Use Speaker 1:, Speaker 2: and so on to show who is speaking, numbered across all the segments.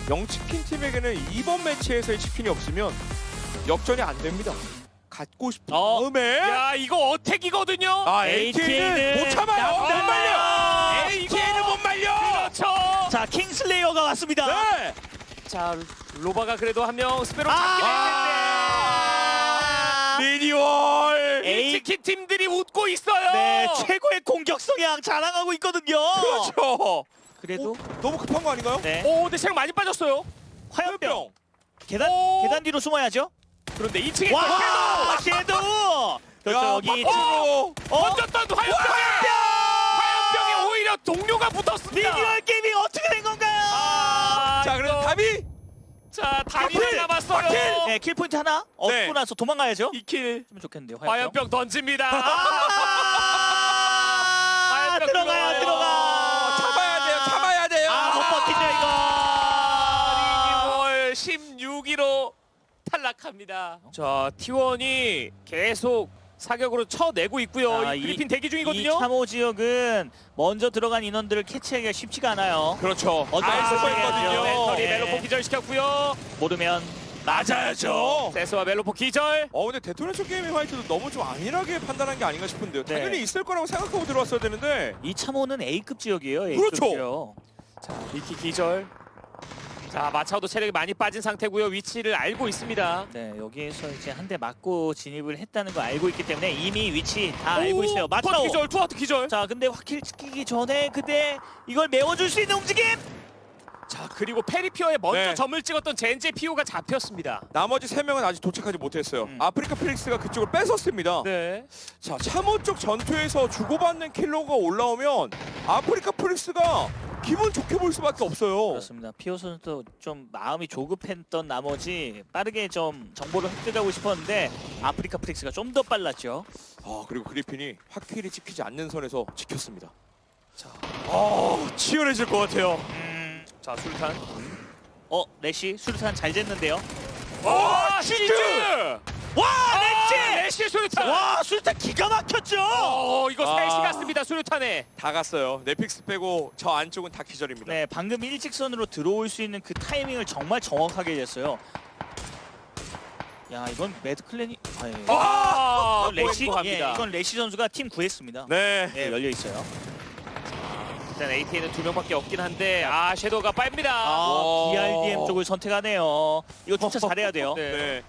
Speaker 1: 영치킨 팀에게는 이번 매치에서의 치킨이 없으면 역전이 안 됩니다. 갖고 싶은 마음에
Speaker 2: 야 이거 어택이거든요.
Speaker 1: AT는 못 참아요. 못 말려. AT는 못 말려.
Speaker 2: 그렇죠.
Speaker 3: 자, 킹슬레이어가 왔습니다.
Speaker 1: 네.
Speaker 2: 자 로바가 그래도 한 명 스페로 잡긴 했는데
Speaker 1: 리니월.
Speaker 2: 치킨 팀들이 웃고 있어요.
Speaker 3: 네, 최고의 공격 성향 자랑하고 있거든요.
Speaker 1: 그렇죠.
Speaker 3: 그래도
Speaker 1: 너무 급한 거 아닌가요?
Speaker 3: 네,
Speaker 2: 오 근데 체력 많이 빠졌어요.
Speaker 3: 화염병 계단
Speaker 2: 오.
Speaker 3: 계단 뒤로 숨어야죠.
Speaker 2: 그런데 2층에
Speaker 3: 와, 섀도우. 그렇죠, 여기
Speaker 2: 던졌던 화염병이 오히려 동료가 붙었습니다.
Speaker 3: 리니얼 게임이 어떻게 된 건가요?
Speaker 1: 자, 그래서 답이
Speaker 2: 자 다리를
Speaker 1: 박힐!
Speaker 2: 남았어요.
Speaker 1: 박힐!
Speaker 3: 네, 킬 포인트 하나 얻고
Speaker 1: 네.
Speaker 3: 나서 도망가야죠.
Speaker 2: 2킬.
Speaker 3: 하면 좋겠는데요.
Speaker 2: 화염병 던집니다. 화염병
Speaker 3: 들어가요, 들어가.
Speaker 1: 참아야 돼요. 참아야 돼요.
Speaker 3: 못 버틴다 이거.
Speaker 2: 리니월 16위로 탈락합니다. 자 T1이 계속 사격으로 쳐내고 있고요.
Speaker 3: 자,
Speaker 2: 이 그리핀 대기
Speaker 3: 이
Speaker 2: 중이거든요.
Speaker 3: 참호 지역은 먼저 들어간 인원들을 캐치하기가 쉽지가 않아요.
Speaker 1: 그렇죠.
Speaker 3: 어떤
Speaker 1: 알고
Speaker 3: 상황이에요?
Speaker 1: 있거든요.
Speaker 2: 멘털이
Speaker 3: 네.
Speaker 2: 멜로포 기절시켰고요.
Speaker 3: 모르면
Speaker 1: 맞아야죠.
Speaker 2: 세스와 멜로포 기절.
Speaker 1: 근데 데토네이션 게이밍 화이트도 너무 좀 안일하게 판단한 게 아닌가 싶은데요.
Speaker 3: 네.
Speaker 1: 당연히 있을 거라고 생각하고 들어왔어야 되는데.
Speaker 3: 이 참호는 A급 지역이에요. A급
Speaker 1: 그렇죠.
Speaker 3: 지역.
Speaker 2: 자 미키 기절. 자 마차오도 체력이 많이 빠진 상태고요. 위치를 알고 있습니다.
Speaker 3: 네, 여기에서 이제 한 대 맞고 진입을 했다는 거 알고 있기 때문에 이미 위치 다 알고 있어요.
Speaker 2: 투하트
Speaker 3: 맞죠?
Speaker 2: 기절. 투하트 기절.
Speaker 3: 자, 근데 확킬 찍히기 전에 그때 이걸 메워줄 수 있는 움직임.
Speaker 2: 자 그리고 페리피어에 먼저
Speaker 1: 네.
Speaker 2: 점을 찍었던 젠제 피오가 잡혔습니다.
Speaker 1: 나머지 3명은 아직 도착하지 못했어요. 아프리카 필릭스가 그쪽을 뺏었습니다.
Speaker 2: 네.
Speaker 1: 자, 참호 쪽 전투에서 주고받는 킬러가 올라오면 아프리카 필릭스가 기분 좋게 볼 수밖에 없어요.
Speaker 3: 그렇습니다. 피오 선수도 좀 마음이 조급했던 나머지 빠르게 좀 정보를 획득하고 싶었는데 아프리카 프릭스가 좀 더 빨랐죠.
Speaker 1: 그리고 그리핀이 확킬이 찍히지 않는 선에서 지켰습니다.
Speaker 2: 자,
Speaker 1: 치열해질 것 같아요.
Speaker 2: 자 술탄.
Speaker 3: 레시 수류탄 잘 쟀는데요.
Speaker 2: 와
Speaker 1: 치즈!
Speaker 2: 와 레시 수류탄.
Speaker 3: 와, 수류탄 기가 막혔죠.
Speaker 2: 이거
Speaker 1: 아.
Speaker 2: 셋이 갔습니다. 수류탄에.
Speaker 1: 다 갔어요. 넷픽스 빼고 저 안쪽은 다 기절입니다.
Speaker 3: 네, 방금 일직선으로 들어올 수 있는 그 타이밍을 정말 정확하게 쟀어요. 야, 이건 매드클랜이 이건 레시,
Speaker 2: 합니다.
Speaker 3: 이건 레시 선수가 팀 구했습니다.
Speaker 1: 네.
Speaker 3: 네, 열려 있어요.
Speaker 2: 일단 AT는 2명밖에 없긴 한데 섀도우가 빱니다.
Speaker 1: 와.
Speaker 3: BRDM 쪽을 선택하네요. 이거 진짜 잘해야 돼요.
Speaker 2: 네.
Speaker 1: 네.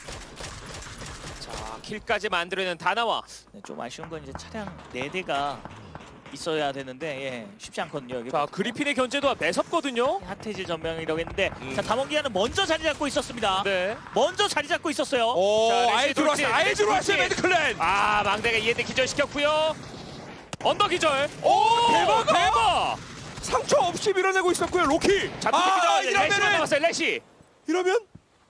Speaker 2: 자 킬까지 만들어내는 다나와.
Speaker 3: 네, 좀 아쉬운 건 이제 차량 4대가 있어야 되는데 쉽지 않거든요. 여기
Speaker 2: 자 그리핀의 견제도 매섭거든요.
Speaker 3: 핫해질 전명이라고 했는데 자, 다몽기아는 먼저 자리 잡고 있었습니다.
Speaker 2: 네.
Speaker 3: 먼저 자리 잡고 있었어요.
Speaker 2: 자,
Speaker 1: 아예
Speaker 2: 레시
Speaker 1: 들어왔어요.
Speaker 2: 돌진,
Speaker 1: 아예
Speaker 2: 레시
Speaker 1: 들어왔어요.
Speaker 2: 돌진.
Speaker 1: 매드클랜.
Speaker 2: 망대가 이해대 기절시켰고요. 언더 기절.
Speaker 1: 대박! 상처 없이 밀어내고 있었고요. 로키.
Speaker 2: 자 기절. 레시가
Speaker 1: 이러면은
Speaker 2: 나왔어요. 레시.
Speaker 1: 이러면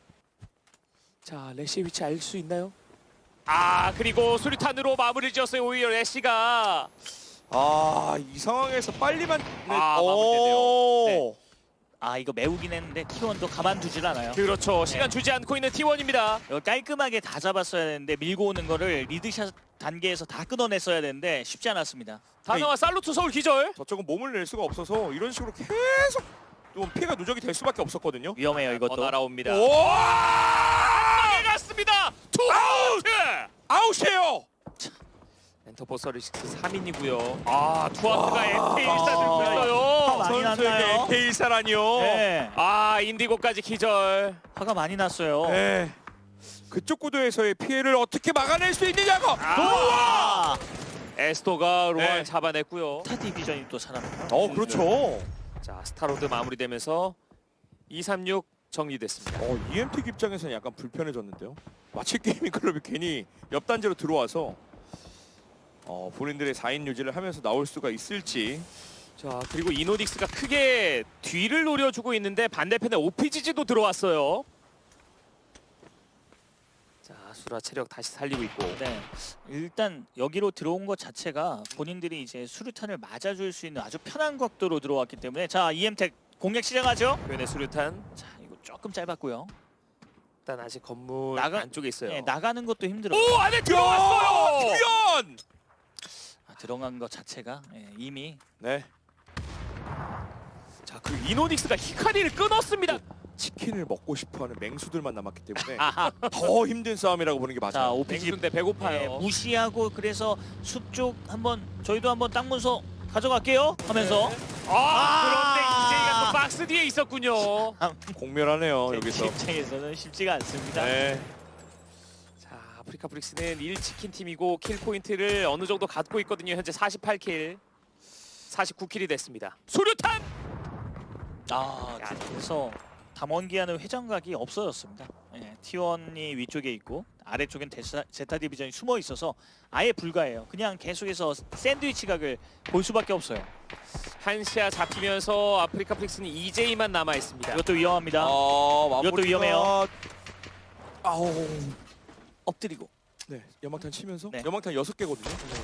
Speaker 2: 자 레시의 위치 알 수 있나요? 그리고 수류탄으로 마무리 지었어요. 오히려 레시가.
Speaker 1: 이 상황에서 빨리만
Speaker 2: 마무리되네요. 네.
Speaker 3: 이거 메우긴 했는데 T1도 가만두질 않아요.
Speaker 2: 그렇죠. 시간 주지 않고 있는 T1입니다.
Speaker 3: 이거 깔끔하게 다 잡았어야 되는데 밀고 오는 거를 리드샷 단계에서 다 끊어냈어야 되는데 쉽지 않았습니다.
Speaker 2: 다나와 살루트 서울 기절.
Speaker 1: 저쪽은 몸을 낼 수가 없어서 이런 식으로 계속 좀 피해가 누적이 될 수밖에 없었거든요.
Speaker 3: 위험해요, 이것도.
Speaker 2: 더 날아옵니다.
Speaker 1: 와!
Speaker 2: 갔습니다. 투 아웃.
Speaker 1: 아웃이에요.
Speaker 2: 엔터포서리식스 3인이고요. 투아트가 MK1사 들고
Speaker 3: 많이
Speaker 2: 있어요.
Speaker 1: 선수에게
Speaker 3: 났나요?
Speaker 1: K사라니요.
Speaker 3: 네,
Speaker 2: 인디고까지 기절.
Speaker 3: 화가 많이 났어요.
Speaker 1: 네. 그쪽 구도에서의 피해를 어떻게 막아낼 수 있느냐고.
Speaker 2: 에스토가 로알
Speaker 1: 네.
Speaker 2: 잡아냈고요.
Speaker 3: 스타 디비전이 또 살아나요.
Speaker 1: 그렇죠.
Speaker 2: 자 스타로드 마무리되면서 236 정리됐습니다.
Speaker 1: EMT 입장에서는 약간 불편해졌는데요. 마치 게이밍 클럽이 괜히 옆 단지로 들어와서 본인들의 4인 유지를 하면서 나올 수가 있을지.
Speaker 2: 자 그리고 이노딕스가 크게 뒤를 노려주고 있는데 반대편에 OPGG도 들어왔어요. 자 수라 체력 다시 살리고 있고.
Speaker 3: 네, 일단 여기로 들어온 것 자체가 본인들이 이제 수류탄을 맞아줄 수 있는 아주 편한 각도로 들어왔기 때문에 자 EM텍 공략 시작하죠.
Speaker 2: 표현의 수류탄.
Speaker 3: 자, 이거 조금 짧았고요.
Speaker 2: 일단 아직 건물
Speaker 3: 나가-
Speaker 2: 안쪽에 있어요.
Speaker 3: 네, 나가는 것도 힘들어요.
Speaker 2: 오 안에 들어왔어요.
Speaker 1: 투연.
Speaker 3: 들어간 것 자체가 이미
Speaker 1: 네.
Speaker 2: 자, 그 이노닉스가 히카리를 끊었습니다.
Speaker 1: 치킨을 먹고 싶어하는 맹수들만 남았기 때문에
Speaker 3: 아하.
Speaker 1: 더 힘든 싸움이라고 보는 게
Speaker 3: 자,
Speaker 1: 맞아요.
Speaker 3: 오피지
Speaker 2: 맹수인데 배고파요.
Speaker 3: 무시하고 그래서 숲 쪽 한번 저희도 한번 땅 문서 가져갈게요 하면서
Speaker 2: 그런데 이제이가 또 박스 뒤에 있었군요.
Speaker 1: 공멸하네요 여기서.
Speaker 3: 입장에서는 쉽지가 않습니다.
Speaker 1: 네.
Speaker 2: 자, 아프리카 브릭스는 1치킨 팀이고 킬 포인트를 어느 정도 갖고 있거든요. 현재 48킬, 49킬이 됐습니다. 수류탄!
Speaker 3: 아,
Speaker 2: 야,
Speaker 3: 그래서 담원기아는 회전각이 없어졌습니다. 예, T1이 위쪽에 있고 아래쪽엔 제타 디비전이 숨어 있어서 아예 불가해요. 그냥 계속해서 샌드위치 각을 볼 수밖에 없어요.
Speaker 2: 한시아 잡히면서 아프리카 브릭스는 EJ만 남아 있습니다.
Speaker 3: 이것도 위험합니다.
Speaker 1: 마무리가-
Speaker 3: 위험해요.
Speaker 1: 아우.
Speaker 3: 엎드리고.
Speaker 1: 네. 연막탄 치면서
Speaker 3: 네.
Speaker 1: 연막탄 6개거든요.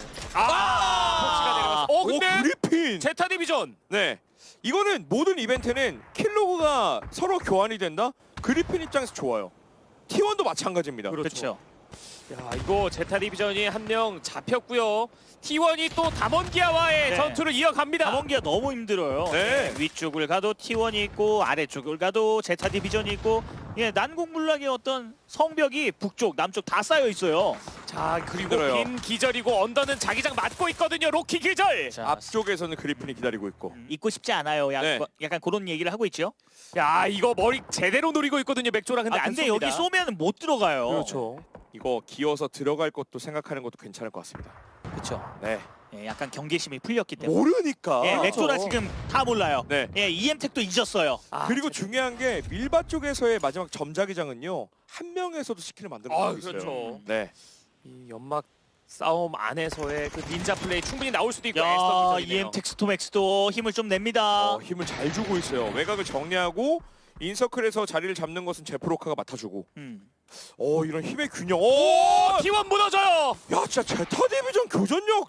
Speaker 2: 폭시가 내려가서.
Speaker 1: 오
Speaker 2: 근데
Speaker 1: 그리핀.
Speaker 2: 제타 디비전.
Speaker 1: 네. 이거는 모든 이벤트는 킬로그가 서로 교환이 된다. 그리핀 입장에서 좋아요. T1도 마찬가지입니다.
Speaker 3: 그렇죠.
Speaker 2: 야, 이거 제타 디비전이 한 명 잡혔고요. T1이 또 담원기아와의
Speaker 3: 네.
Speaker 2: 전투를 이어갑니다.
Speaker 3: 담원기아 너무 힘들어요.
Speaker 1: 네.
Speaker 3: 위쪽을 가도 T1이 있고 아래쪽을 가도 제타 디비전이 있고 예, 난공불락의 어떤 성벽이 북쪽, 남쪽 다 쌓여 있어요.
Speaker 2: 자, 그리고
Speaker 1: 힘들어요.
Speaker 2: 빈 기절이고 언더는 자기장 맞고 있거든요. 로키 기절.
Speaker 3: 자,
Speaker 1: 앞쪽에서는 그리핀이 기다리고 있고.
Speaker 3: 잊고 싶지 않아요.
Speaker 1: 네.
Speaker 3: 약간 그런 얘기를 하고 있죠.
Speaker 2: 야, 이거 머리 제대로 노리고 있거든요. 맥조라. 근데 안
Speaker 3: 근데
Speaker 2: 쏩니다.
Speaker 3: 여기 쏘면 못 들어가요.
Speaker 2: 그렇죠.
Speaker 1: 이거 기어서 들어갈 것도 생각하는 것도 괜찮을 것 같습니다.
Speaker 3: 그렇죠.
Speaker 1: 네.
Speaker 3: 예, 약간 경계심이 풀렸기 때문에.
Speaker 1: 모르니까.
Speaker 3: 예, 맥조라
Speaker 2: 그렇죠.
Speaker 3: 지금 다 몰라요.
Speaker 1: 네.
Speaker 3: 예, EM택도 잊었어요.
Speaker 2: 아,
Speaker 1: 그리고 중요한 게 밀바 쪽에서의 마지막 점자기장은요. 한 명에서도 스킬을 만들어
Speaker 2: 아,
Speaker 1: 수 있어요.
Speaker 2: 그렇죠.
Speaker 1: 네.
Speaker 2: 이 연막 싸움 안에서의 그 닌자 플레이 충분히 나올 수도 있고
Speaker 3: 야,
Speaker 2: 에스터 기전이네요.
Speaker 3: EM택 스톰엑스도 힘을 좀 냅니다.
Speaker 1: 힘을 잘 주고 있어요. 외곽을 정리하고 인서클에서 자리를 잡는 것은 제프로카가 맡아주고. 이런 힘의 균형.
Speaker 2: 오, T1 무너져요.
Speaker 1: 야, 진짜 제타 디비전 교전력.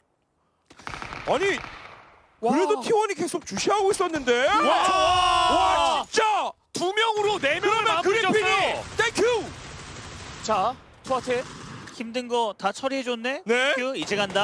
Speaker 1: 아니,
Speaker 2: 와.
Speaker 1: 그래도 T1이 계속 주시하고 있었는데.
Speaker 2: 와,
Speaker 1: 진짜.
Speaker 2: 두 명으로 네 명을
Speaker 1: 그러면 그리핀이
Speaker 2: 마무리졌어요.
Speaker 1: 땡큐.
Speaker 2: 자, 투아테
Speaker 3: 힘든 거 다 처리해줬네.
Speaker 1: 네.
Speaker 3: 큐, 이제 간다.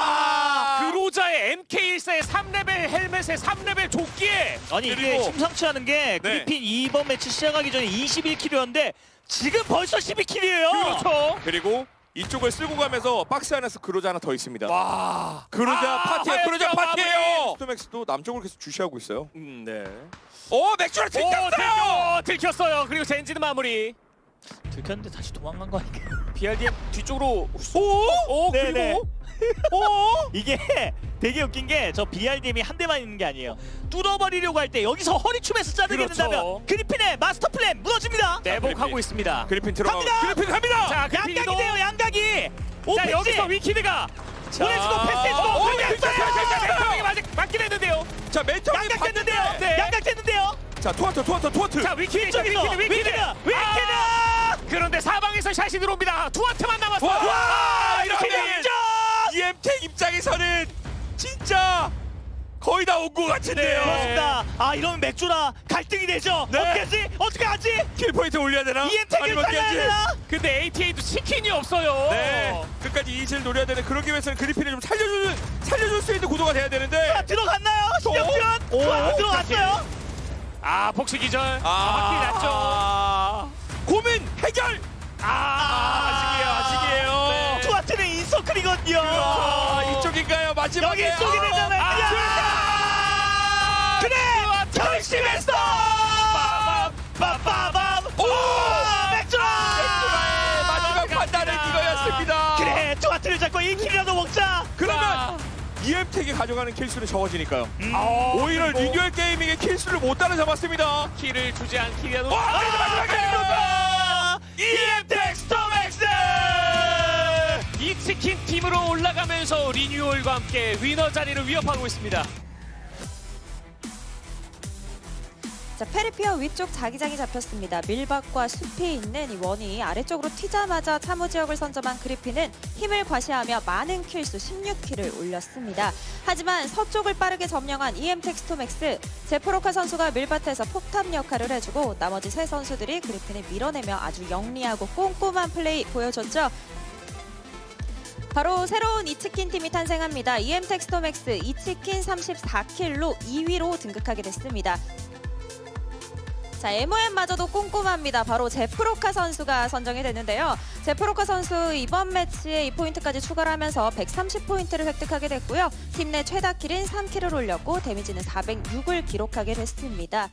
Speaker 2: 그로자의 MK14의 3레벨 헬멧의 3레벨 조끼에
Speaker 3: 아니 이게
Speaker 1: 그리고-
Speaker 3: 심상치 않은 게
Speaker 1: 네.
Speaker 3: 그리핀 이번 매치 시작하기 전에 21킬이었는데 지금 벌써 12킬이에요.
Speaker 2: 그렇죠.
Speaker 1: 그리고 이쪽을 쓸고 가면서 박스 안에서 그로자 하나 더 있습니다.
Speaker 2: 와,
Speaker 1: 그로자 파티에
Speaker 2: 하얀
Speaker 1: 그로자
Speaker 2: 마무리.
Speaker 1: 파티예요. 스톰엑스도 남쪽을 계속 주시하고 있어요.
Speaker 2: 네.
Speaker 1: 맥주를
Speaker 2: 오,
Speaker 1: 튕겼어요.
Speaker 2: 들켰어요. 그리고 젠지는 마무리.
Speaker 3: 들켰는데 다시 도망간 거 아닌가요?
Speaker 2: BRDM 뒤쪽으로
Speaker 1: 오,
Speaker 3: 네네.
Speaker 1: 오,
Speaker 3: 이게 되게 웃긴 게 저 BRDM이 한 대만 있는 게 아니에요. 뚫어버리려고 할 때 여기서 허리춤에서 짜내게
Speaker 2: 그렇죠.
Speaker 3: 된다면 그리핀의 마스터 플랜 무너집니다.
Speaker 2: 내복하고 있습니다.
Speaker 1: 그리핀 들어가.
Speaker 3: 갑니다!
Speaker 1: 그리핀 갑니다.
Speaker 2: 자,
Speaker 3: 양각이
Speaker 2: 그리핀도
Speaker 3: 돼요, 양각이.
Speaker 2: 자,
Speaker 3: 오피지
Speaker 2: 여기서 위키드가
Speaker 3: 보내주고 패스해주고
Speaker 1: 오,
Speaker 2: 멘토에게 맞긴 했는데요.
Speaker 1: 자, 멘토
Speaker 3: 양각 됐는데요.
Speaker 2: 네.
Speaker 3: 양각 됐는데요.
Speaker 1: 자, 투하트.
Speaker 2: 자, 위키드,
Speaker 3: 저기서
Speaker 2: 위키드. 그런데 사방에서 샷이 들어옵니다. 투아트만 남았어요.
Speaker 1: 와,
Speaker 3: 이렇게
Speaker 1: 이러면
Speaker 3: 되죠.
Speaker 1: EM택 입장에서는 진짜 거의 다 온 것 같은데요.
Speaker 3: 그렇습니다. 이러면 맥주라 갈등이 되죠.
Speaker 1: 네.
Speaker 3: 어떻게 하지?
Speaker 1: 킬 포인트 올려야 되나?
Speaker 3: EM택을
Speaker 1: 아니면
Speaker 3: 살려야
Speaker 1: 겐지?
Speaker 3: 되나?
Speaker 2: 근데 ATA도 치킨이 없어요.
Speaker 1: 네, 끝까지 이지를 노려야 되는. 그러기 위해서는 그리핀을 좀 살려줄 수 있는 구도가 돼야 되는데.
Speaker 3: 들어갔나요? 신영준 들어갔어요.
Speaker 2: 복시 기절. 확실히 났죠.
Speaker 1: 고민 해결. 아직이에요.
Speaker 2: 네.
Speaker 3: 투아트는 인서클이거든요.
Speaker 1: 이쪽인가요? 마지막에.
Speaker 3: 여기 이쪽이 되잖아요. 그래 결심했어. 빠밤.
Speaker 1: 오!
Speaker 3: 맥주라.
Speaker 1: 마지막 판단은 이거였습니다.
Speaker 3: 그래 투아트를 잡고 1킬이라도 먹자.
Speaker 1: 그러면 EM택이 가져가는 킬수는 적어지니까요. 오히려
Speaker 2: 그리고
Speaker 1: 리뉴얼 게이밍의 킬수를 못 따라잡았습니다.
Speaker 2: 키를 주지 않기라도
Speaker 1: 마지막에
Speaker 3: EM택 스톰엑스.
Speaker 2: 이 치킨 팀으로 올라가면서 리뉴얼과 함께 위너 자리를 위협하고 있습니다.
Speaker 4: 자, 페리피어 위쪽 자기장이 잡혔습니다. 밀박과 숲이 있는 이 원이 아래쪽으로 튀자마자 참호 지역을 선점한 그리핀은 힘을 과시하며 많은 킬수 16킬을 올렸습니다. 하지만 서쪽을 빠르게 점령한 EM택 스톰엑스, 제프로카 선수가 밀밭에서 폭탑 역할을 해주고 나머지 세 선수들이 그리핀을 밀어내며 아주 영리하고 꼼꼼한 플레이 보여줬죠. 바로 새로운 이치킨 팀이 탄생합니다. EM택 스톰엑스 이치킨 34킬로 2위로 등극하게 됐습니다. 자, MOM마저도 꼼꼼합니다. 바로 제프로카 선수가 선정이 됐는데요. 제프로카 선수 이번 매치에 2포인트까지 추가를 하면서 130포인트를 획득하게 됐고요. 팀 내 최다 킬인 3킬을 올렸고 데미지는 406을 기록하게 됐습니다.